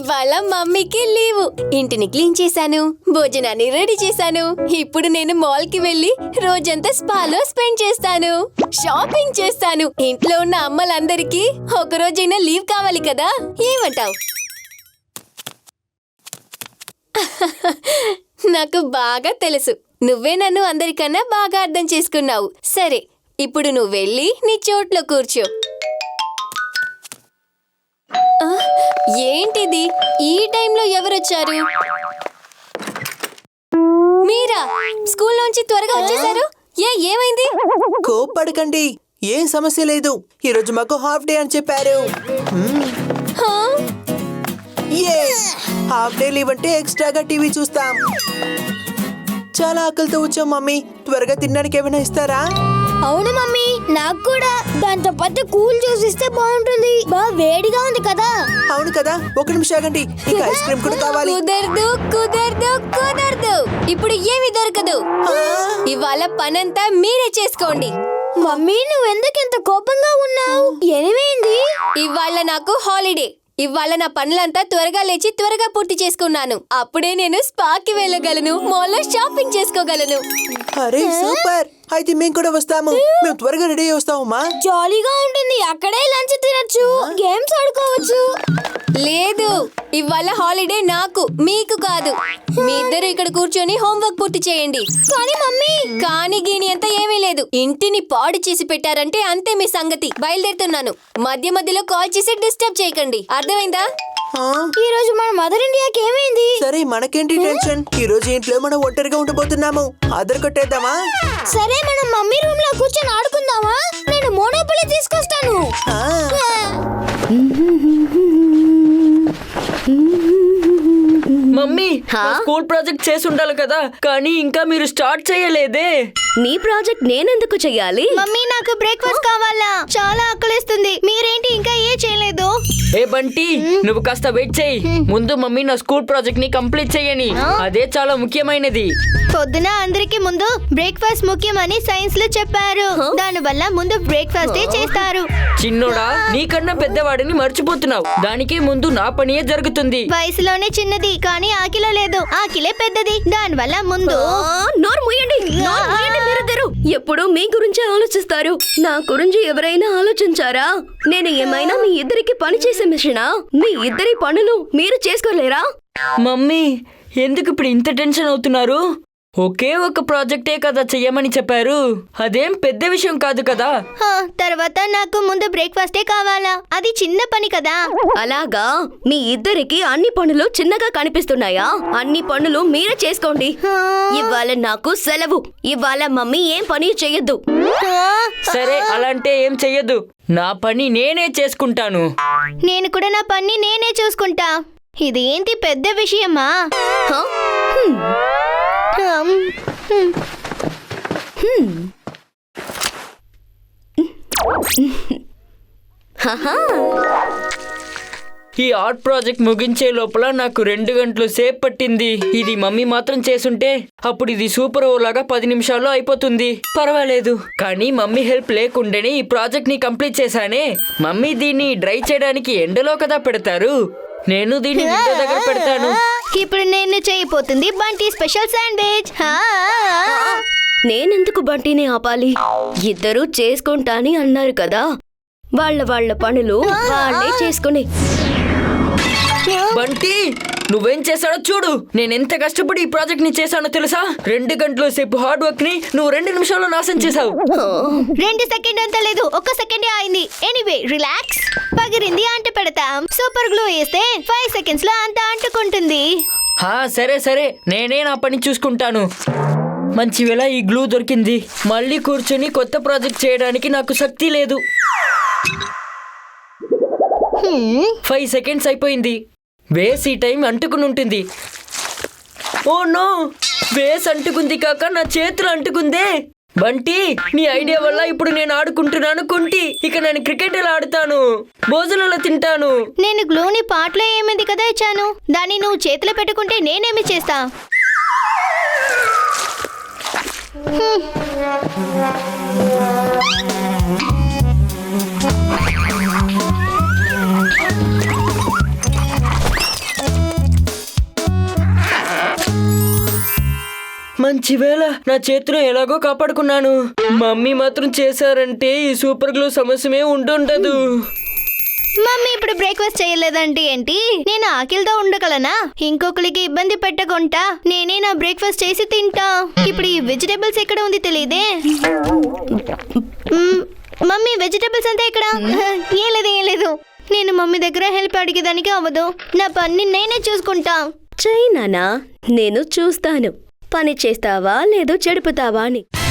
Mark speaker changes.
Speaker 1: ఇవాళ మమ్మీకి లీవు. ఇంటిని క్లీన్ చేశాను, భోజనాన్ని రెడీ చేశాను. ఇప్పుడు నేను మాల్ కి వెళ్లి రోజంతా స్పాలో స్పెండ్ చేస్తాను, షాపింగ్ చేస్తాను. ఇంట్లో ఉన్న అమ్మలందరికీ ఒక రోజైనా లీవ్ కావాలి కదా, ఏమంటావు? నాకు బాగా తెలుసు, నువ్వే నన్ను అందరికన్నా బాగా అర్థం చేసుకున్నావు. సరే, ఇప్పుడు నువ్వు వెళ్ళి నీ చోట్లో కూర్చో. ఏంటిది, ఈ టైంలో ఎవరొచ్చారు? మీరా? స్కూల్లోంచి త్వరగా వచ్చేసారు? ఏమైంది?
Speaker 2: కోప్పడకండి, ఏం సమస్య లేదు. ఈరోజు మాకు హాఫ్ డే అని చెప్పారు. హాఫ్ డే లీవ్ అంటే ఎక్స్ట్రాగా టీవీ చూస్తాం. చాలా ఆకలితో వచ్చాం మమ్మీ, త్వరగా తినడానికి ఏమైనా ఇస్తారా?
Speaker 3: అవును మమ్మీ, నాకు కూడా దాంతో పాటు కూల్ జ్యూస్ ఇస్తే బాగుంటుంది. బాగా వేడిగా ఉంది కదా.
Speaker 2: అవును కదా, ఒక నిమిషం ఆగండి, ఇంకా ఐస్ క్రీమ్ కూడా కావాలి.
Speaker 1: కుదరదు కుదరదు కుదరదు, ఇప్పుడు ఏమి దొరకదు. ఇవాళ పనంతా మీరే చేసుకోండి.
Speaker 3: మమ్మీ, నువ్వెందుకు ఇంత కోపంగా ఉన్నావు? ఏమైంది?
Speaker 1: ఇవాళ నాకు హాలిడే. ఇవాళ నా పనులంతా త్వరగా లేచి త్వరగా పూర్తి చేసుకున్నాను. అప్పుడే నేను స్పాకి వెళ్ళగలను, మాల్లో షాపింగ్ చేసుకోగలను.
Speaker 2: అరే సూపర్, అయితే మేము కూడా వస్తాము. మేము త్వరగా రెడీ వస్తామమ్మా.
Speaker 3: జాలీగా ఉంటుంది, అక్కడే లంచ్ తినొచ్చు, గేమ్స్ ఆడుకోవచ్చు.
Speaker 1: లేదు, ఇవాళ హాలిడే నాకు, మీకు కాదు. మీ ఇద్దరు ఇక్కడ కూర్చొని హోంవర్క్ పూర్తి చేయండి.
Speaker 3: కానీ మమ్మీ,
Speaker 1: కానీ గీని అంతా ఏమీ లేదు. ఇంటిని పాడు చేసి పెట్టారంటే అంతే మీ సంగతి. బయలుదేరుతున్నాను. మధ్య మధ్యలో కాల్ చేసి డిస్టర్బ్ చేయకండి, అర్థమైందా?
Speaker 3: ఈ రోజు మన మదర్ ఇండియాకి ఏమైంది?
Speaker 2: సరే, మనకేంటి టెన్షన్. ఈ రోజు ఇంట్లో మనం ఒంటరిగా ఉండబోతున్నాము. ఆధార్ కొట్టేద్దామా?
Speaker 3: సరే, మనం మమ్మీ రూమ్ లో కూర్చొని ఆడుకుందామా? నేను మోనోపొలీ తీసుకొస్తాను.
Speaker 4: మమ్మీ, స్కూల్ ప్రాజెక్ట్ చేసి ఉండాలి కదా, కానీ ఇంకా మీరు స్టార్ట్ చేయలేదే.
Speaker 5: నీ ప్రాజెక్ట్ నేనెందుకు చెయ్యాలి?
Speaker 3: మమ్మీ, నాకు బ్రేక్ఫాస్ట్ కావాలా, చాలా ఆకలిస్తుంది. మీరేంటి ఇంకా ఏ చేయలేదు?
Speaker 4: ఏ బంటి, నువ్వు కాస్త వెయిట్ చేయి. ముందు మమ్మీ నా స్కూల్ ప్రాజెక్ట్ ని కంప్లీట్ చేయని, అదే చాలా ముఖ్యమైనది.
Speaker 3: పొద్దున అందరికి ముందు బ్రేక్ఫాస్ట్ ముఖ్యమని సైన్స్ లో చెప్పారు. దాని వల్ల ముందు బ్రేక్ఫాస్ట్ చేస్తారు.
Speaker 4: చిన్నోడా, నీకన్నా పెద్దవాడిని మర్చిపోతున్నావు. దానికి ముందు నా పనియే జరుగుతుంది.
Speaker 3: వయసులోనే చిన్నది, కానీ ఆకిలో లేదు. ఆకిలే పెద్దది, దాని వల్ల ముందు.
Speaker 5: నోరు మూయండి, మీరిద్దరు ఎప్పుడు మీ గురించి ఆలోచిస్తారు. నా గురించి ఎవరైనా ఆలోచించారా? నేను ఏమైనా మీ ఇద్దరికి పని చేసే మిషనా? మీ ఇద్దరి పనులు మీరు చేసుకోలేరా?
Speaker 4: మమ్మీ, ఎందుకు ఇప్పుడు ఇంత టెన్షన్ అవుతున్నారు? ఒకే ఒక ప్రాజెక్టే కదా చెయ్యమని చెప్పారు, అదేం పెద్ద విషయం కాదు కదా.
Speaker 3: తర్వాత నాకు ముందు బ్రేక్ఫాస్టే కావాలా, అది చిన్న పని కదా.
Speaker 5: అలాగా, మీ ఇద్దరికి అన్ని పనులు చిన్నగా కనిపిస్తున్నాయా? అన్ని పనులు మీరే చేసుకోండి. ఇవాళ నాకు సెలవు. ఇవాళ మమ్మీ ఏం పని చెయ్యొద్దు.
Speaker 4: సరే, అలాంటే ఏం చెయ్యదు. నా పని నేనే చేసుకుంటాను.
Speaker 3: నేను కూడా నా పని నేనే చూసుకుంటా. ఇది ఏంటి పెద్ద విషయమా?
Speaker 4: ఈ ఆర్ట్ ప్రాజెక్ట్ ముగించే లోపల నాకు 2 గంటలు సేపు పట్టింది. ఇది మమ్మీ మాత్రం చేసుంటే అప్పుడు ఇది సూపర్ ఓలాగా 10 నిమిషాల్లో అయిపోతుంది. పర్వాలేదు, కానీ మమ్మీ హెల్ప్ లేకుండానే ఈ ప్రాజెక్ట్ ని కంప్లీట్ చేశానే. మమ్మీ దీన్ని డ్రై చేయడానికి ఎండలో కదా పెడతారు, నేను దీన్ని విండో దగ్గర పెడతాను.
Speaker 3: ఇప్పుడు నేను చేయబోతుంది బంటి స్పెషల్ శాండ్విచ్.
Speaker 5: నేనెందుకు బంటిని ఆపాలి? ఇద్దరూ చేసుకుంటాని అన్నారు కదా, వాళ్ళ పనులు వాళ్ళే చేసుకుని.
Speaker 4: బంటి, నువ్వేం చేశాడో చూడు. నేనెంత కష్టపడి ఈ ప్రాజెక్ట్ ని చేశానో తెలుసా? 2 గంటల సేపు హార్డ్ వర్క్ ని నువ్వు 2 నిమిషాల్లో నాశనం చేశావు.
Speaker 3: 2 సెకండ్ అంత లేదు, 1 సెకండే అయింది. Anyway, relax. పగిరింది అంట పెడతాం. సూపర్ గ్లూ వేస్తే 5 సెకండ్స్ లో అంత అంటుకుంటుంది.
Speaker 4: సరే సరే, నేనే నా పని చూసుకుంటాను. మంచి వేళ ఈ గ్లూ దొరికింది. మళ్ళీ కూర్చొని కొత్త ప్రాజెక్ట్ చేయడానికి నాకు శక్తి లేదు. 5 సెకండ్స్ అయిపోయింది. వేస్ ఈ టైం అంటుకుని ఉంటుంది. ఓ నో, వేస్ అంటుకుంది కాక నా చేతులు అంటుకుందే. బంటి, నీ ఐడియా వల్ల ఇప్పుడు నేను ఆడుకుంటున్నాను కుంటి. ఇక నేను క్రికెట్ ఎలా ఆడుతాను, భోజనంలో తింటాను.
Speaker 3: నేను గ్లూని పాటలో ఏమింది కదా ఇచ్చాను, దాన్ని నువ్వు చేతిలో పెట్టుకుంటే నేనేమి చేస్తా?
Speaker 4: మంచి వేళ నా చేతిలో ఎలాగో కాపాడుకున్నాను. మమ్మీ మాత్రం చేశారంటే ఈ సూపర్ గ్లూ సమస్యమే ఉండుండదు.
Speaker 3: మమ్మీ ఇప్పుడు బ్రేక్ఫాస్ట్ చేయలేదంటే ఏంటి? నేను ఆకలితో ఉండగలనా? ఇంకొకరికి ఇబ్బంది పెట్టకుండా నేనే నా బ్రేక్ఫాస్ట్ చేసి తింటా. ఇప్పుడు ఈ వెజిటేబుల్స్ ఎక్కడ ఉంది తెలియదే. మమ్మీ వెజిటేబుల్స్ అంతా ఇక్కడ. ఏం లేదు నేను మమ్మీ దగ్గర హెల్ప్ అడిగేదానికి అవ్వదు. నా పని నేనే చూసుకుంటా.
Speaker 5: చైనానా నేను చూస్తాను పని చేస్తావా లేదో చెడుపుతావా అని.